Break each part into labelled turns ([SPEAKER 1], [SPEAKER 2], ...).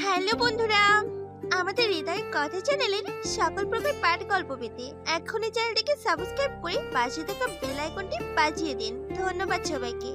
[SPEAKER 1] Hello বন্ধুরা, আমাদের হৃদয় কথা চ্যানেলের সকল প্রকার পাঠ গল্প পেতে এখনই চ্যানেলটিকে সাবস্ক্রাইব করে পাশে থাকা বেল আইকনটি বাজিয়ে দিন। ধন্যবাদ সবাইকে।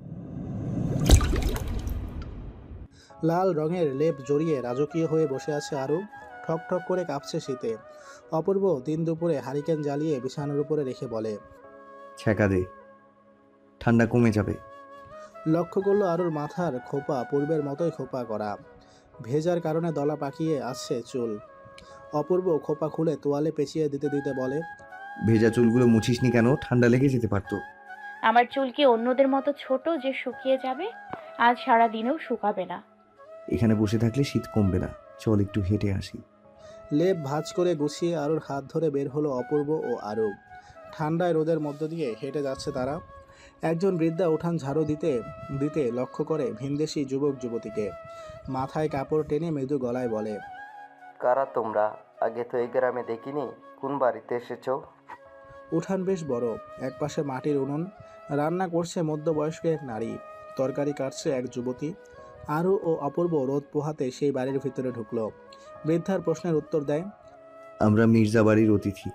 [SPEAKER 2] লাল রঙের লেপ জড়িয়ে রাজকীয় হয়ে বসে আছে আরু। ঠক ঠক করে কাঁপছে শীতে। অপূর্ব দিন দুপুরে হারিকেন জ্বালিয়ে বিছানার উপরে রেখে বলে,
[SPEAKER 3] ছ্যাঁকা দে, ঠান্ডা কমে যাবে।
[SPEAKER 2] লক্ষ্য করলো আরুর মাথার খোপা পূর্বের মতোই খোপা করা, ভেজার কারণে দলা পাকিয়ে আসছে চুল। অপূর্ব খোপা খুলে তোয়ালে পেঁচিয়ে দিতে দিতে বলে,
[SPEAKER 3] ভেজা চুলগুলো মুছিসনি কেন? ঠান্ডা লেগে যেতে পারতো।
[SPEAKER 4] আমার চুল কি অন্যদের মতো ছোট যে শুকিয়ে যাবে? আজ সারা দিনেও শুকাবে না।
[SPEAKER 3] এখানে বসে থাকলে শীত কমবে না, চল একটু হেঁটে আসি।
[SPEAKER 2] লেপ ভাঁজ করে গুছিয়ে আরুর হাত ধরে বের হলো অপূর্ব ও আরু। ঠান্ডায় রোদের মধ্য দিয়ে হেঁটে যাচ্ছে তারা। একজন বৃদ্ধা উঠান ঝাড়ু দিতে দিতে লক্ষ্য করে ভিনদেশি যুবক যুবতীকে। মাথায় কাপড় টেনে মৃদু গলায় বলে,
[SPEAKER 5] কারা তোমরা? আগে তো এই গ্রামে দেখিনি। কোন বাড়িতে এসেছো?
[SPEAKER 2] উঠান বেশ বড়, একপাশে মাটির উনুন, রান্না করছে মধ্যবয়স্ক এক নারী, তরকারি কাটছে এক যুবতী। আরু ও অপূর্ব রোদ পোহাতে সেই বাড়ির ভিতরে ঢুকলো। বৃদ্ধার প্রশ্নের উত্তর দেয়,
[SPEAKER 3] আমরা মির্জা বাড়ির অতিথি।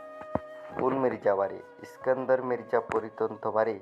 [SPEAKER 5] কোন মির্জা বাড়ি? ইস্কান্দার মির্জা পরিতন্ত বাড়ি?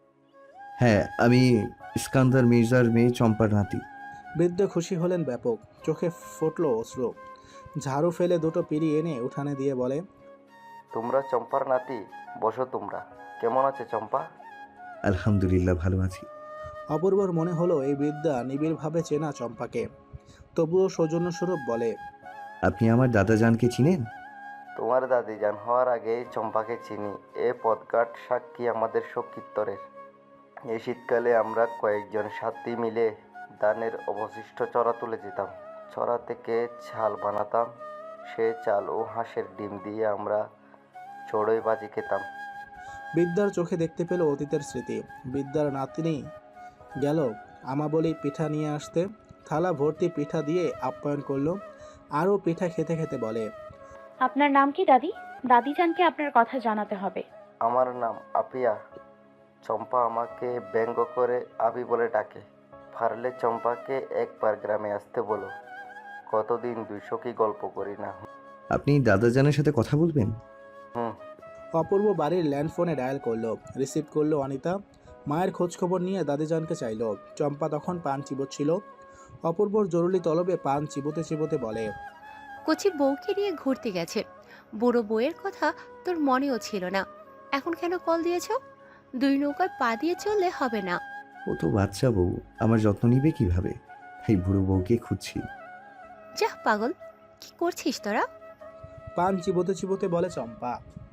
[SPEAKER 3] হ্যাঁ, আমি ইস্কান্দার মির্জার মেয়ে চম্পার নাতি।
[SPEAKER 2] বৃদ্ধ খুশি হলেন ব্যাপক, চোখে ফুটল অশ্রু। ঝাড়ু ফেলে দুটো পিঁড়ি এনে উঠানে দিয়ে বলে,
[SPEAKER 5] তোমরা চম্পার নাতি? বসো তোমরা। কেমন আছে চম্পা?
[SPEAKER 3] আলহামদুলিল্লাহ, ভালো আছি।
[SPEAKER 2] অপূর্বর মনে হলো এই বৃদ্ধা নিবিড়ভাবে চেনা চম্পাকে, তবুও সৌজন্যস্বরূপ বলে,
[SPEAKER 3] আপনি আমার দাদাজানকে চিনেন?
[SPEAKER 5] তোমার দাদি জান হওয়ার আগেই চম্পাকে চিনি। এ পদঘাট সাক্ষী আমাদের সকীর্তনের। এই শীতকালে আমরা কয়েকজন সাথী মিলে ধানের অবশিষ্ট চড়া তুলে যেতাম। চড়া থেকে চাল বানাতাম। সে চাল ও হাঁসের ডিম দিয়ে আমরা চড়ুই বাজি খেতাম।
[SPEAKER 2] বৃদ্ধার চোখে দেখতে পেল অতীতের স্মৃতি। বৃদ্ধার নাতনি গেল আমাবলি পিঠা নিয়ে আসতে, থালা ভর্তি পিঠা দিয়ে আপ্যায়ন করলো। আরও পিঠা খেতে খেতে বলে,
[SPEAKER 4] আপনার নাম কি দাদি? দাদিজানকে আপনার কথা জানাতে হবে।
[SPEAKER 5] আমার নাম আপিয়া। চম্পা আমাকে ব্যঙ্গ করে আবি বলে ডাকে। পারলে চম্পাকে একবার গ্রামে আসতে বলো। কতদিন 200 কি গল্প করি না।
[SPEAKER 3] আপনি দাদাজানের সাথে কথা বলবেন?
[SPEAKER 5] হুম।
[SPEAKER 2] অপূর্ব বাড়ির ল্যান্ডফোনে ডায়াল করলো। রিসিভ করলো অনিতা। মায়ের খোঁজখবর নিয়ে দাদিজানকে চাইল। চম্পা তখন পান চিবোচ্ছিল। অপূর্বর জরুরি তলবে পান চিবোতে চিবোতে বলে,
[SPEAKER 6] কচি বউকে নিয়ে ঘুরতে গেছে। বুড়ো বউয়ের কথা তোর মনেও ছিল না, এখন কেন কল দিয়েছ? দুই নৌকায় পা দিয়ে চললে হবে না।
[SPEAKER 3] ও তো বাচ্চা বউ, আমার যত্ন নিবে কিভাবে? তাই বুড়ো বউকে খুঁজছি।
[SPEAKER 6] যাহ পাগল, কি করছিস তোরা?
[SPEAKER 2] পান চিবোতে চিবোতে বলে চম্পা,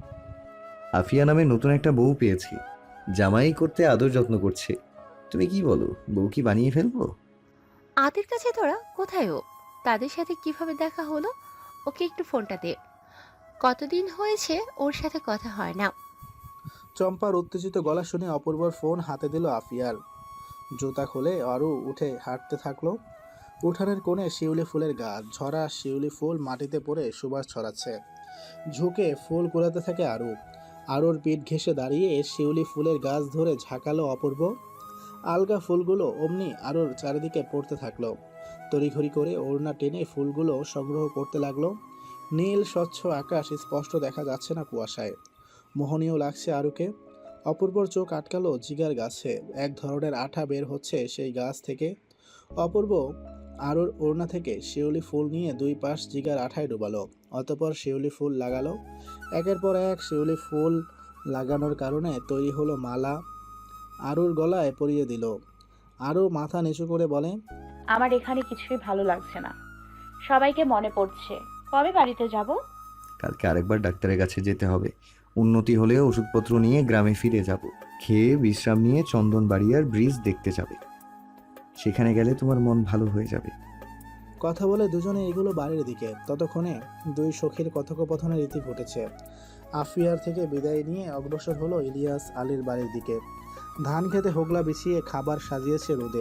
[SPEAKER 3] আফিয়া নামে নতুন একটা বউ পেয়েছি, জামাই করতে আদর যত্ন করছে। তুমি কি বলো, বউ কি বানিয়ে ফেলবো?
[SPEAKER 6] আদের কাছে তোরা কোথায়? ও তাদের সাথে কিভাবে দেখা হলো? ওকে একটু ফোনটা দে, কতদিন হয়েছে ওর সাথে কথা হয় না।
[SPEAKER 2] চম্পার উত্তেজিত গলা শুনে অপূর্বর ফোন হাতে দিল আফিয়ার। জুতা খুলে আরও উঠে হাঁটতে থাকলো। উঠানের কোণে শিউলি ফুলের গাছ, ঝরা শিউলি ফুল মাটিতে পড়ে সুবাস ছড়াচ্ছে। ঝুঁকে ফুল কুড়াতে থাকে আরু। আরুর পিঠ ঘেঁষে দাঁড়িয়ে শিউলি ফুলের গাছ ধরে ঝাঁকালো অপূর্ব। আলগা ফুলগুলো অমনি আরুর চারিদিকে পড়তে থাকলো। তড়িঘড়ি করে ওড়না টেনে ফুলগুলো সংগ্রহ করতে লাগলো। নীল স্বচ্ছ আকাশ স্পষ্ট দেখা যাচ্ছে না কুয়াশায়। মোহনীয় লাগছে আরুকে। অপূর্বর চোখ আটকালো জিগার গাছে। এক ধরনের আঠা বের হচ্ছে সেই গাছ থেকে। অপূর্ব আরুর ওড়না থেকে শিউলি ফুল নিয়ে দুই পাশ জিগার আঠায় ডুবালো। অতঃপর শিউলি ফুল লাগালো। একের পর এক শিউলি ফুল লাগানোর কারণে তৈরি হলো মালা। আরুর গলায় পরিয়ে দিল। আরু মাথা নিচু করে বলে,
[SPEAKER 4] আমার এখানে কিছুই ভালো লাগছে না। সবাইকে মনে পড়ছে। কবে বাড়িতে যাব?
[SPEAKER 3] কালকে আরেকবার ডাক্তারের কাছে যেতে হবে। উন্নতি হলে ওষুধপত্র নিয়ে গ্রামে ফিরে যাব। খেয়ে বিশ্রাম নিয়ে চন্দন বাড়িয়ার ব্রিজ দেখতে যাবে। সেখানে গেলে তোমার মন ভালো হয়ে যাবে।
[SPEAKER 2] কথা বলে দুজনে এগুলো বাড়ির দিকে। ততক্ষণে দুই সখীর কথোপকথনের রীতি ঘটেছে। আফিয়ার থেকে বিদায় নিয়ে অগ্রসর হলো ইলিয়াস আলীর বাড়ির দিকে। ধান খেতে হোগলা বিছিয়ে খাবার সাজিয়েছে রোদে।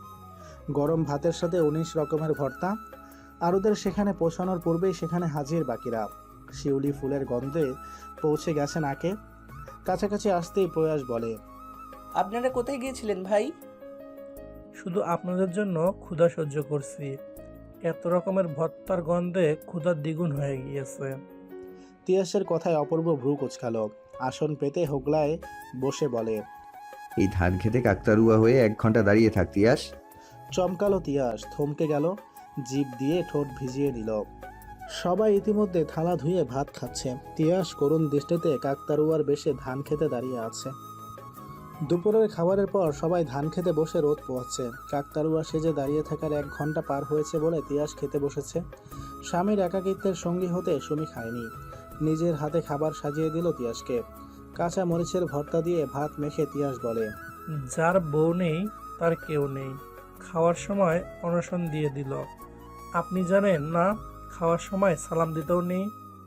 [SPEAKER 2] গরম ভাতের সাথে 19 রকমের ভর্তা। আরুদের সেখানে পৌঁছানোর পূর্বেই সেখানে হাজির বাকিরা। শিউলি ফুলের গন্ধে পৌঁছে গেছে নাকে। কাছাকাছি আসতেই প্রয়াস বলে,
[SPEAKER 7] আপনারা কোথায় গিয়েছিলেন ভাই?
[SPEAKER 8] শুধু আপনাদের জন্য ক্ষুধা সহ্য করছি।
[SPEAKER 7] এত রকমের ভর্তার গন্ধে ক্ষুধা দ্বিগুণ হয়ে গিয়েছে।
[SPEAKER 2] তিয়াসের কথায় অপূর্ব ভ্রু কুচকালো। আসন পেতে হোগলায় বসে বলে,
[SPEAKER 3] এই ধান খেতে কাকতারুয়া হয়ে 1 ঘন্টা দাঁড়িয়ে থাকতি আস।
[SPEAKER 2] চমকালো তিয়াস, থমকে গেল, জিভ দিয়ে ঠোঁট ভিজিয়ে নিল। সবাই ইতিমধ্যে থালা ধুয়ে ভাত খাচ্ছে। তিয়াস করুণ দৃষ্টিতে কাকতারুয়ার বেশে ধান খেতে দাঁড়িয়ে আছে। দুপুরের খাবারের পর সবাই ধান খেতে বসে রোদ পোহাচ্ছে। কাকতারুয়া সেজে দাঁড়িয়ে থাকার 1 ঘন্টা পার হয়েছে বলে তিয়াস খেতে বসেছে। স্বামীর একাকিত্বের সঙ্গী হতে সুমি খায়নি। নিজের হাতে খাবার সাজিয়ে দিল তিয়াসকে। কাঁচা মরিচের ভর্তা দিয়ে ভাত মেখে তিয়াস বলে,
[SPEAKER 7] যার বউ নেই তার কেউ নেই। খাওয়ার সময় অনশন দিয়ে দিল। আপনি জানেন না, খাওয়ার সময় সালাম দিতেও নেই।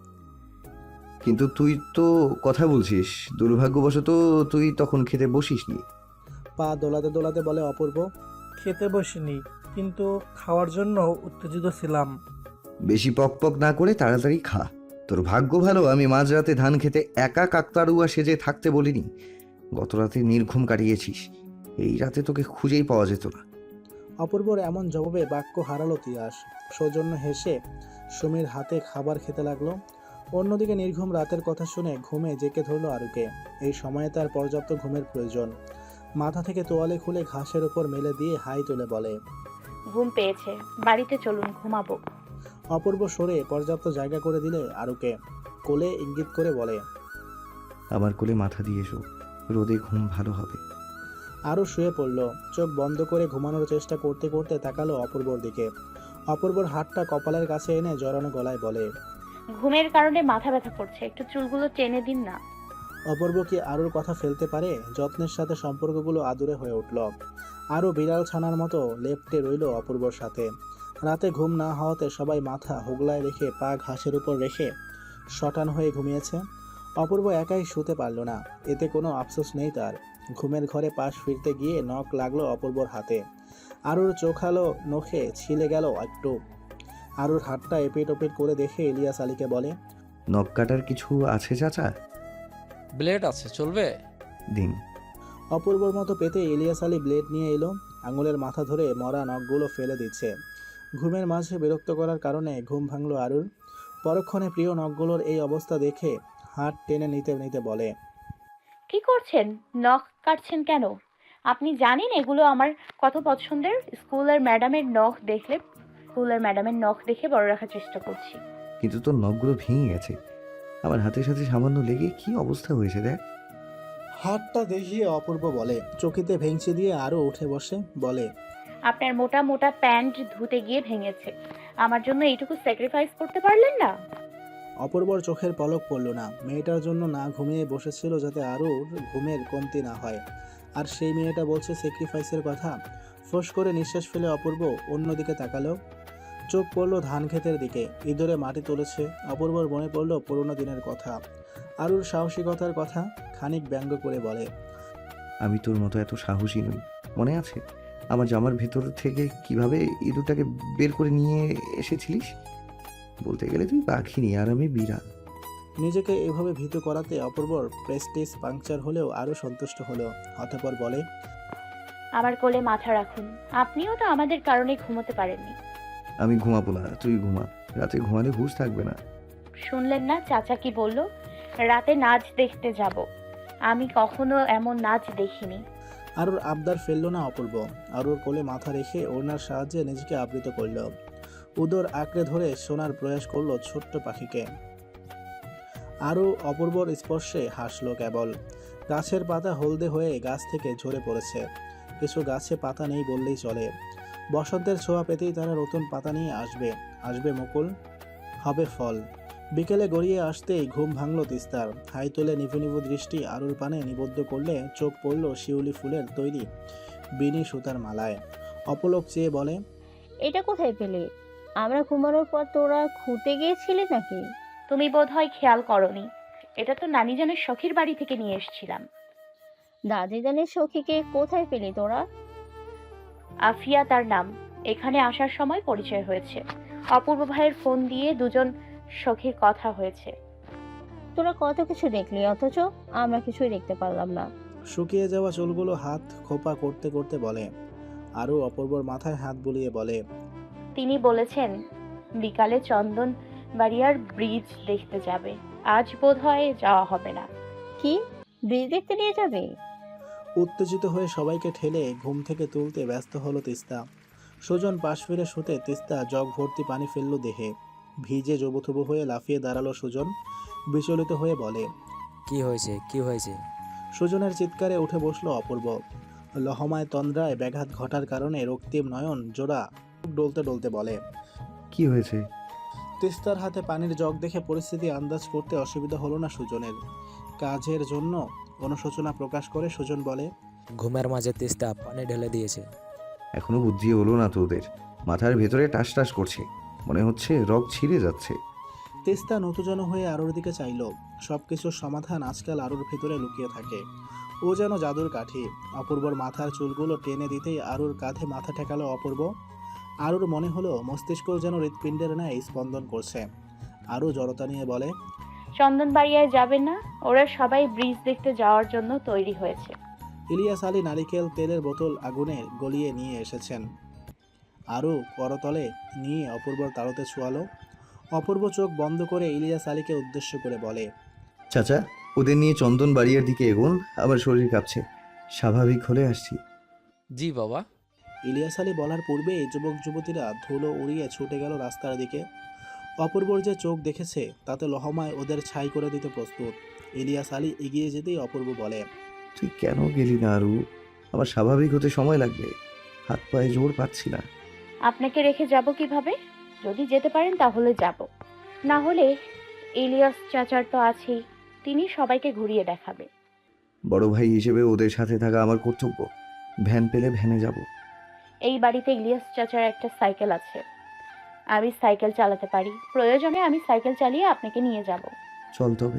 [SPEAKER 3] কিন্তু তুই তো কথা বলছিস, দুর্ভাগ্যবশত তুই তখন খেতে বসিসনি।
[SPEAKER 2] পা দোলাতে দোলাতে বলে অপূর্ব।
[SPEAKER 7] খেতে বসিনি, কিন্তু খাওয়ার জন্য উত্তেজিত ছিলাম।
[SPEAKER 3] বেশি পক পক না করে তাড়াতাড়ি খা। তোর ভাগ্য ভালো আমি মাঝরাতে ধান খেতে একা কাকতারুয়া সেজে থাকতে বলিনি। গত রাতে নির্ঘুম কাটিয়েছিস, এই রাতে তোকে খুঁজেই পাওয়া যেত না।
[SPEAKER 2] অপূর্বর এমন জবাবে বাক্য হারালো তিয়াস। সৌজন্য হেসে সুমির হাতে খাবার খেতে লাগলো। অন্যদিকে নির্ঘুম রাতের কথা শুনে ঘুমে জেকে ধরলো আরুকে। এই সময়ে তার পর্যাপ্ত ঘুমের প্রয়োজন। মাথা থেকে তোয়ালে খুলে ঘাসের উপর মেলে দিয়ে হাই তুলে বলে,
[SPEAKER 4] ঘুম পেয়েছে, বাড়িতে চলুন, ঘুমাবো।
[SPEAKER 2] অপূর্ব সরে পর্যাপ্ত জায়গা করে দিলে আরুকে। কোলে ইঙ্গিত করে বলে,
[SPEAKER 3] আমার কোলে মাথা দিয়ে এসো, রোদে ঘুম ভালো হবে।
[SPEAKER 2] আরও শুয়ে পড়ল। চোখ বন্ধ করে ঘুমানোর চেষ্টা করতে করতে তাকালো অপূর্বর দিকে। অপূর্বর হাতটা কপালের কাছে এনে জড়ানো গলায় বলে,
[SPEAKER 4] ঘুমের কারণে মাথা ব্যথা করছে, একটু চুলগুলো টেনে দিন না।
[SPEAKER 2] অপূর্ব কি আরুর কথা ফেলতে পারে? যত্নের সাথে সম্পর্কগুলো আদুরে হয়ে উঠল। আরও বিড়াল ছানার মতো লেপ্টে রইল অপূর্বর সাথে। রাতে ঘুম না হওয়াতে সবাই মাথা হোগলায় রেখে পা ঘাসের উপর রেখে শটান হয়ে ঘুমিয়েছে। অপূর্ব একাই শুতে পারল না। এতে কোনো আফসোস নেই তার। ঘুমের ঘরে পাশ ফিরতে গিয়ে নখ লাগলো অপূর্বর হাতে। আরুর চোখালো নখে ছিলে গেল একটু। আরুর হাতটা এপিট ওপিট করে দেখে ইলিয়াস আলীকে বলে,
[SPEAKER 3] নখ কাটার কিছু আছে চাচা?
[SPEAKER 8] ব্লেড আছে, চলবে?
[SPEAKER 3] দিন।
[SPEAKER 2] অপূর্বর মতো পেতে ইলিয়াস আলী ব্লেড নিয়ে এলো। আঙুলের মাথা ধরে মরা নখগুলো ফেলে দিচ্ছে। ঘুমের মাঝে বিরক্ত করার কারণে ঘুম ভাঙল আরুর। পরক্ষণে প্রিয় নখগুলোর এই অবস্থা দেখে হাত টেনে নিতে নিতে বলে,
[SPEAKER 4] কি করছেন? নখ কাটছেন কেন? আপনি জানেন এগুলো আমার কত পছন্দের। স্কুলের ম্যাডামের নখ দেখে বড় রাখার চেষ্টা করছি।
[SPEAKER 3] কিন্তু তোর নখগুলো ভেঙে গেছে। আমার হাতের সাথে সামান্য লেগে কি অবস্থা হয়েছে দেখ।
[SPEAKER 2] হাতটা দেখিয়ে অপূর্ব বলে। চকিতে ভেঙচি দিয়ে আরও উঠে বসে বলে,
[SPEAKER 4] আপনার মোটা মোটা প্যান্ট ধুতে গিয়ে ভেঙেছে, আমার জন্য এইটুকু স্যাক্রিফাইস করতে পারলেন না?
[SPEAKER 2] অপূর্বর চোখের পলক পড়ল না। মেয়েটার জন্য না ঘুমিয়ে বসেছিল যাতে আরও ঘুমের কমতি না হয়, আর সেই মেয়েটা বলছে স্যাক্রিফাইসের কথা। ফোঁস করে নিঃশ্বাস ফেলে অপূর্ব অন্যদিকে তাকালো। চোখ পড়লো ধান ক্ষেতের দিকে। ইঁদুরে মাটি তুলেছে। অপূর্বর মনে পড়লো পুরোনো দিনের কথা, আরুর সাহসিকতার কথা। খানিক ব্যঙ্গ করে বলে,
[SPEAKER 3] আমি তোর মতো এত সাহসী নই। মনে আছে আমার জামার ভেতর থেকে কিভাবে ইঁদুরটাকে বের করে নিয়ে এসেছিলিস? বলতে গেলে তুই পাখিনি আর আমি বিড়াল।
[SPEAKER 2] নিজেকে এভাবে ভীতু করাতে অপূর্বর প্রেস্টিজ পাংচার হলেও আরও সন্তুষ্ট হলো। অতঃপর বলে,
[SPEAKER 4] আমার কোলে মাথা রাখুন, আপনিও তো আমাদের কারণে ঘুমোতে পারেননি।
[SPEAKER 3] আমি ঘুমাবো না, তুই ঘুমা। রাতে ঘুমালে হুঁশ থাকবে না।
[SPEAKER 4] শুনলেন না চাচা কি বলল? রাতে নাচ দেখতে যাব। আমি কখনো এমন নাচ দেখিনি।
[SPEAKER 2] আরুর আবদার ফেললো না অপূর্ব। আরুর কোলে মাথা রেখে ওড়নার সাহায্যে নিজেকে আবৃত করল। উদর আঁকড়ে ধরে শোনার প্রয়াস করলো ছোট্ট পাখিকে। আরও অপূর্বর স্পর্শে হাসলো কেবল। গাছের পাতা হলদে হয়ে গাছ থেকে ঝরে পড়েছে। কিছু গাছে পাতা নেই বললেই চলে। বসন্তের ছোঁয়া পেতেই তারা নতুন পাতা নিয়ে আসবে মুকুল, হবে ফল। বিকেলে গড়িয়ে আসতেই ঘুম ভাঙল তিস্তার। হাই তুলে নিভু নিভু দৃষ্টি আরুর পানে নিবদ্ধ করলে চোখ পড়ল শিউলি ফুলের তৈরি বিনি সুতার মালায়। অপলক চেয়ে বলে,
[SPEAKER 9] এটা কোথায় পেলে? আমরা ঘুমানোর পর তোরা খুঁতে গিয়েছিলি নাকি?
[SPEAKER 4] তুমি বোধহয় খেয়াল করনি, এটা তো নানিজানের শখের বাড়ি থেকে নিয়ে এসেছিলাম।
[SPEAKER 9] দাদিজানের সখীকে কোথায় পেলি তোরা?
[SPEAKER 4] আফিয়া তার নাম। এখানে আসার সময় পরিচয় হয়েছে। অপূর্ব ভাইয়ের ফোন দিয়ে দুজন সখীর কথা হয়েছে।
[SPEAKER 9] তোরা কত কিছু দেখলি, অথচ আমরা কিছুই দেখতে পারলাম না।
[SPEAKER 2] শুকিয়ে যাওয়া চুলগুলো হাত খোপা করতে করতে বলে। আরও অপূর্বর মাথায় হাত বুলিয়ে বলে,
[SPEAKER 4] তিনি বলেছেন বিকালে চন্দন বাড়িয়ার ব্রিজ দেখতে যাবে। আজ বোধহয় যাওয়া হবে না।
[SPEAKER 9] কি, ব্রিজ দেখতে নিয়ে যাবে?
[SPEAKER 2] উত্তেজিত হয়ে সবাইকে ঠেলে ঘুম থেকে তুলতে ব্যস্ত হলো তিস্তা। সুজন পাশ ফিরে শুতে তিস্তা জগ ভর্তি পানি ফেলল দেহে। ভিজে জবুথুবু হয়ে লাফিয়ে দাঁড়ালো সুজন। বিচলিত হয়ে বলে,
[SPEAKER 10] কি হয়েছে, কি হয়েছে?
[SPEAKER 2] সুজনের চিৎকারে উঠে বসলো অপূর্ব। লহমায় তন্দ্রায় ব্যাঘাত ঘটার কারণে রক্তিম নয়ন জোড়া ডলতে ডলতে বলে।
[SPEAKER 3] কি হয়েছে?
[SPEAKER 2] তিস্তার হাতে পানির জগ দেখে পরিস্থিতি আন্দাজ করতে অসুবিধা হলো না সুজনের। কাজের জন্য অনুশোচনা প্রকাশ করে সুজন বলে,
[SPEAKER 10] ঘুমের মাঝে তিস্তা পানি ঢেলে দিয়েছে।
[SPEAKER 3] এখনো বুদ্ধি হলো না তোদের? মাথার ভেতরে টাস টাস করছে, মনে হচ্ছে রগ ছিঁড়ে যাচ্ছে।
[SPEAKER 2] তিস্তা নতুজন হয়ে আরুর দিকে চাইল। সবকিছুর সমাধান আজকাল আরুর ভেতরে লুকিয়ে থাকে। ও যেন জাদুর কাঠি। অপূর্বর মাথার চুলগুলো টেনে দিতেই আরুর কাঁধে মাথা ঠেকালো অপূর্ব। আরুর মনে হলো মস্তিষ্ক যেন হৃৎপিণ্ডের ন্যায় স্পন্দন করছে। আরু জড়তা নিয়ে বলে,
[SPEAKER 4] চন্দন বাড়িয়ায় যাবেন না? ওরা সবাই ব্রিজ দেখতে যাওয়ার জন্য তৈরি হয়েছে।
[SPEAKER 2] ইলিয়াস আলী নারিকেল তেলের বোতল আগুনে গলিয়ে নিয়ে এসেছেন। আরু করতলে নিয়ে অপূর্বর তাড়ুতে ছোঁয়ালো। অপূর্ব চোখ বন্ধ করে ইলিয়াস আলীকে উদ্দেশ্য করে বলে,
[SPEAKER 3] চাচা, ওদের নিয়ে চন্দন বাড়িয়ার দিকে এগোন, আমার শরীর কাঁপছে, স্বাভাবিক হলে আসছি।
[SPEAKER 8] জি বাবা।
[SPEAKER 2] ইলিয়াস আলী বলার পূর্বেই যুবক যুবতীরা ধুলো উড়িয়ে ছুটে গেল রাস্তার দিকে। অপূর্বর যে চোখ দেখেছে তাতে লহমায় ওদের ছাই করে দিতে প্রস্তুত। ইলিয়াস আলী এগিয়ে যেতেই অপূর্ব বলে,
[SPEAKER 3] তুই কেন গেলি না আরু? আমার স্বাভাবিক হতে সময় লাগবে, হাত পায়ে জোর পাচ্ছি না।
[SPEAKER 4] আপনাকে রেখে যাব কিভাবে? যদি যেতে পারেন তাহলে যাব, না হলে ইলিয়াস চাচার তো আছেই, তিনি সবাইকে ঘুরিয়ে দেখাবে।
[SPEAKER 3] বড় ভাই হিসেবে ওদের সাথে থাকা আমার কর্তব্য। ভ্যান পেলে ভ্যানে যাব।
[SPEAKER 4] এই বাড়িতে ইলিয়াস চাচার একটা সাইকেল আছে, আমি সাইকেল চালাতে পারি। প্রয়োজনে আমি সাইকেল চালিয়ে আপনাকে নিয়ে যাব।
[SPEAKER 3] চল তবে।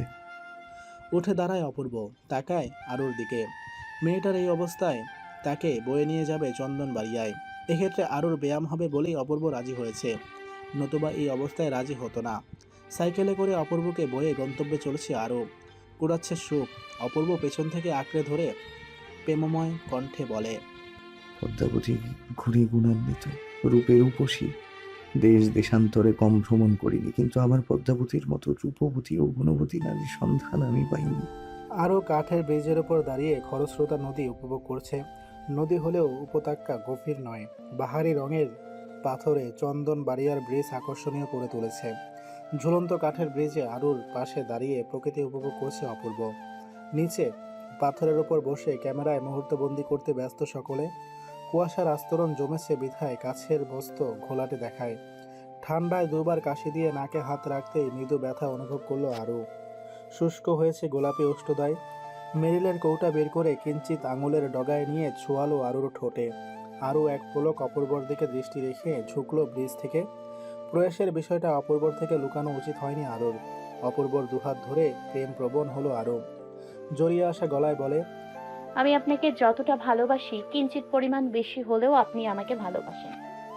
[SPEAKER 2] উঠে দাঁড়ায় অপূর্ব, তাকায় আরুর দিকে। মেয়েটার এই অবস্থায় তাকে বয়ে নিয়ে যাবে চন্দন বাড়িয়ায়। এক্ষেত্রে আরুর ব্যায়াম হবে বলেই অপূর্ব রাজি হয়েছে, নতুবা এই অবস্থায় রাজি হতো না। সাইকেলে করে অপূর্বকে বয়ে গন্তব্যে চলেছে আরু। কুড়াচ্ছে সুখ। অপূর্ব পেছন থেকে আঁকড়ে ধরে প্রেমময় কণ্ঠে বলে,
[SPEAKER 3] পদ্মাবতী ঘুরে গুণান্বিত, রূপের উপসী। দেশ দেশান্তরে কম ভ্রমণ করিনি, কিন্তু আমার পদ্মাবতীর মতো রূপবতী ও গুণবতী নারীর সন্ধান আমি পাইনি।
[SPEAKER 2] আরও কাঠের ব্রিজের ওপর দাঁড়িয়ে খরস্রোতা নদী উপভোগ করছে। নদী হলেও উপত্যকা গভীর নয়। বাহারি রঙের পাথরে চন্দন বাড়িয়ার ব্রিজ আকর্ষণীয় করে তুলেছে। ঝুলন্ত কাঠের ব্রিজে আরুর পাশে দাঁড়িয়ে প্রকৃতি উপভোগ করছে অপূর্ব। নিচে পাথরের ওপর বসে ক্যামেরায় মুহূর্তবন্দি করতে ব্যস্ত সকলে। কুয়াশার আস্তরণ জমেছে বিধায় কাছের বস্তু ঘোলাটে দেখায়। ঠান্ডায় দুবার কাশি দিয়ে নাকে হাত রাখতেই মৃদু ব্যথা অনুভব করলো আরু। শুষ্ক হয়েছে গোলাপি ওষ্ঠদায়। মেরিলের কৌটা বের করে কিঞ্চিত আঙুলের ডগায় নিয়ে ছোঁয়ালো আরুর ঠোঁটে। আরও এক পলক অপূর্বর দিকে দৃষ্টি রেখে ঝুঁকলো ব্রিজ থেকে। প্রয়াসের বিষয়টা অপূর্বর থেকে লুকানো উচিত হয়নি আরুর। অপূর্বর দুহাত ধরে প্রেম প্রবণ হলো আরু। জড়িয়ে আসা গলায় বলে,
[SPEAKER 4] আমি আপনাকে যতটা ভালোবাসি কিঞ্চিত পরিমাণ বেশি হলেও আপনি আমাকে ভালোবাসেন।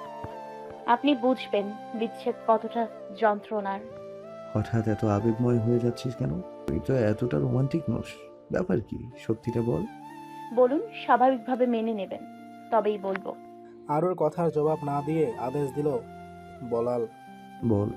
[SPEAKER 4] আপনি বুঝবেন বিচ্ছেদ কতটা যন্ত্রণার।
[SPEAKER 3] হঠাৎ এত আবেগময় হয়ে যাচ্ছিস কেন? তুই তো এতটা রোমান্টিক নস, ব্যাপার কি সত্যিটা বল।
[SPEAKER 4] বলুন, স্বাভাবিকভাবে মেনে নেবেন তবেই বলবো।
[SPEAKER 2] আরুর কথার জবাব না দিয়ে আদেশ দিল বলাল,
[SPEAKER 3] বল।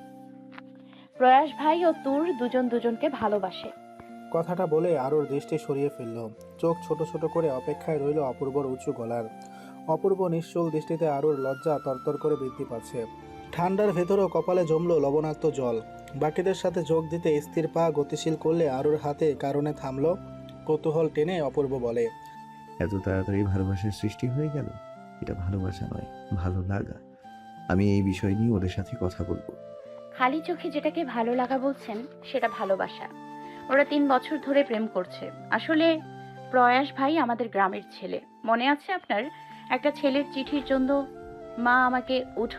[SPEAKER 4] প্রয়াস ভাই ও তুর দুজন দুজনকে ভালোবাসে।
[SPEAKER 2] কথাটা বলে আরুর দৃষ্টি সরিয়ে ফেলল। চোখ ছোট ছোট করে অপেক্ষায় রইল অপূর্বর উঁচু গলার। অপূর্ব নিশ্চল দৃষ্টিতে আরুর লজ্জা তরতর করে বৃদ্ধি পাচ্ছে। ঠান্ডার ভেতরেও কপালে জমল লবণাক্ত জল। বাকিদের সাথে যোগ দিতে স্থির পা গতিশীল করলে আরুর হাতে কারণে থামল। কৌতূহল টেনে অপূর্ব বলে,
[SPEAKER 3] এত তাড়াতাড়ি ভালোবাসার সৃষ্টি হয়ে গেল? এটা ভালোবাসা নয়, ভালো লাগা। আমি এই বিষয় নিয়ে ওদের সাথে কথা বলবো।
[SPEAKER 4] খালি চোখে যেটাকে ভালো লাগা বলছেন সেটা ভালোবাসা। ওরা 3 বছর ধরে প্রেম করছে। আসলে প্রয়াস ভাই আমাদের গ্রামের ছেলে। মনে আছে আপনার? একটা ছেলের চিঠির জন্য মা আমাকে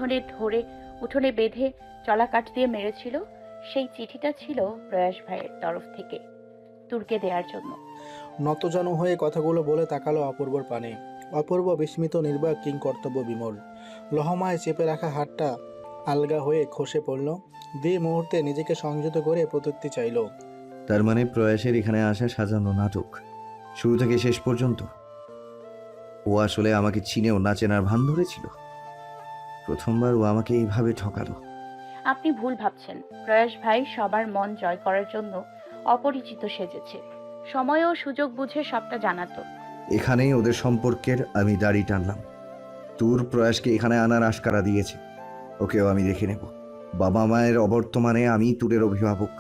[SPEAKER 4] উঠোনে বেঁধে চলা কাঠ দিয়ে মেরেছিল। সেই চিঠিটা ছিল প্রয়াস ভাইয়ের তরফ থেকে তুর্কে দেওয়ার জন্য।
[SPEAKER 2] নতজানু হয়ে কথাগুলো বলে তাকালো অপূর্বর পানে। অপূর্ব বিস্মিত, নির্বাক, কিং কর্তব্য বিমল। লহমায় চেপে রাখা হাতটা আলগা হয়ে খসে পড়ল। মুহূর্তে নিজেকে সংযত করে প্রত্যুত্তি চাইল।
[SPEAKER 3] তার মানে প্রয়াসের এখানে আসা সাজানো নাটক, শুরু থেকে শেষ পর্যন্ত। ও আসলে আমাকে চিনেও না চেনার ভান ধরেছিল। প্রথমবার ও আমাকে এইভাবে ঠকালো।
[SPEAKER 4] আপনি ভুল ভাবছেন। প্রয়াস ভাই সবার মন জয় করার জন্য অপরিচিত সেজেছে। সময় ও সুযোগ বুঝে সবটা জানাতো।
[SPEAKER 3] এখানেই ওদের সম্পর্কের আমি দাড়ি টানলাম। তোর প্রয়াসকে এখানে আনার আশকারা দিয়েছে। ওকেও আমি দেখে নেব। বাবা মায়ের অবর্তমানে আমি তুরের অভিভাবক।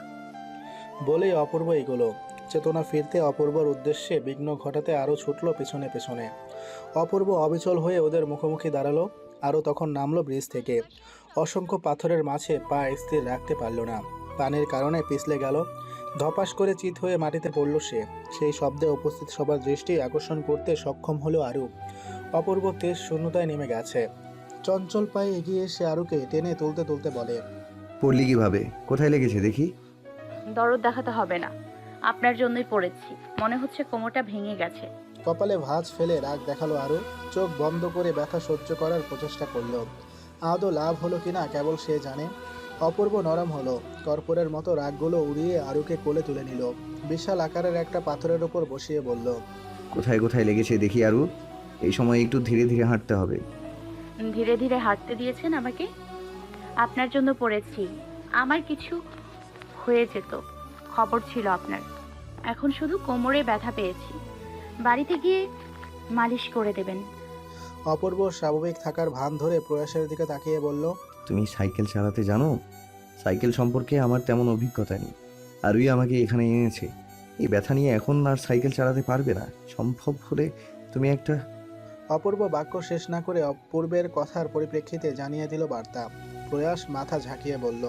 [SPEAKER 2] বলেই অপূর্ব এগোলো। চেতনা ফিরতে অপূর্বর উদ্দেশ্যে বিঘ্ন ঘটাতে আরও ছুটল পেছনে পেছনে। অপূর্ব অবিচল হয়ে ওদের মুখোমুখি দাঁড়ালো। আরও তখন নামলো ব্রিজ থেকে। অসংখ্য পাথরের মাঝে পা স্থির রাখতে পারল না। পানির কারণে পিছলে গেল। ধপাস করে চিত হয়ে মাটিতে পড়ল সে। সেই শব্দে উপস্থিত সবার দৃষ্টি আকর্ষণ করতে সক্ষম হলো আরু। অপূর্ব তেজ শূন্যতায় নেমে গেছে। চঞ্চল পায়ে এগিয়ে এসে আরুকে টেনে তুলতে তুলতে বলে,
[SPEAKER 3] পড়লি কিভাবে? কোথায় লেগেছে দেখি?
[SPEAKER 4] দরদ দেখাতে হবে না, আপনার জন্যই পড়েছি। মনে হচ্ছে কোমরটা ভেঙে গেছে।
[SPEAKER 2] কপালে ভাঁজ ফেলে রাগ দেখালো আরু। চোখ বন্ধ করে ব্যথা সহ্য করার প্রচেষ্টা করল। আদৌ লাভ হলো কিনা কেবল সে জানে। অপূর্ব নরম হলো। কর্পূরের মতো রাগগুলো উড়িয়ে আরুকে কোলে তুলে নিল। বিশাল আকারের একটা পাথরের উপর বসিয়ে বলল,
[SPEAKER 3] কোথায় কোথায় লেগেছে দেখি আরু? এই সময় একটু ধীরে ধীরে হাঁটতে হবে।
[SPEAKER 4] ধীরে ধীরে হাঁটতে দিয়েছেন আমাকে? আপনার জন্য পড়েছি। আমার কিছু হয়ে যেত, খবর ছিল আপনার। এখন শুধু কোমরে ব্যথা পেয়েছি। বাড়িতে গিয়ে মালিশ করে দেবেন।
[SPEAKER 2] অপূর্ব স্বাভাবিক থাকার ভান ধরে প্রয়াসের দিকে তাকিয়ে বলল,
[SPEAKER 3] তুমি সাইকেল চালাতে জানো? সাইকেল সম্পর্কে আমার তেমন অভিজ্ঞতা নেই। আরুই আমাকে এখানে এনেছে। এই ব্যথা নিয়ে এখন আর সাইকেল চালাতে পারবে না। সম্ভব হলে তুমি একটা...
[SPEAKER 2] অপূর্ব বাক্য শেষ না করে অপূর্বের কথার পরিপ্রেক্ষিতে জানিয়ে দিল বার্তা। প্রয়াস মাথা ঝাঁকিয়ে বলল,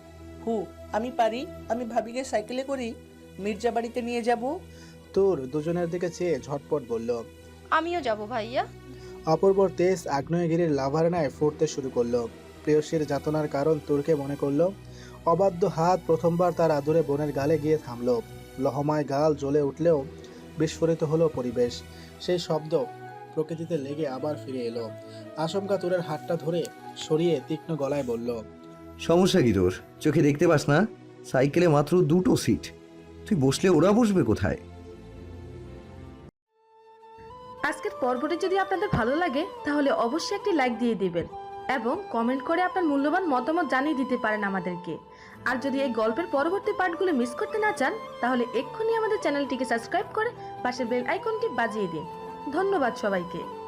[SPEAKER 11] আমি পারি। আমি ভাবিকে সাইকেলে করি মির্জা বাড়িতে নিয়ে যাব।
[SPEAKER 2] তোর দুজনের দিকে চেয়ে ঝটপট বলল,
[SPEAKER 6] আমিও যাব ভাইয়া।
[SPEAKER 2] অপূর্বর তেজ আগ্নেয়গিরির লাভার ন্যায় ফুটতে শুরু করলো। প্রেয়সীর যাতনার কারণ তুরকে মনে করলো। অবাধ্য হাত প্রথমবার তার আদুরে বোনের গালে গিয়ে থামলো। লহমায় গাল জ্বলে উঠলেও বিস্ফোরিত হলো পরিবেশ। সেই শব্দ প্রকৃতিতে লেগে আবার ফিরে এলো। আচমকা তুরের হাতটা ধরে সরিয়ে তীক্ষ্ণ গলায় বলল,
[SPEAKER 3] সমস্যা কি তোর? চোখে দেখতে পাস না? সাইকেলে মাত্র 2টো সিট। তুই বসলে ওরা বসবে কোথায়?
[SPEAKER 11] আজকের পর্বটি যদি আপনাদের ভালো লাগে তাহলে অবশ্যই একটি লাইক দিয়ে দিবেন এবং কমেন্ট করে আপনার মূল্যবান মতামত জানিয়ে দিতে পারেন আমাদেরকে। আর যদি এই গল্পের পরবর্তী পার্টগুলো মিস করতে না চান তাহলে এক্ষুনি আমাদের চ্যানেলটিকে সাবস্ক্রাইব করে পাশের বেল আইকনটি বাজিয়ে দিন। ধন্যবাদ সবাইকে।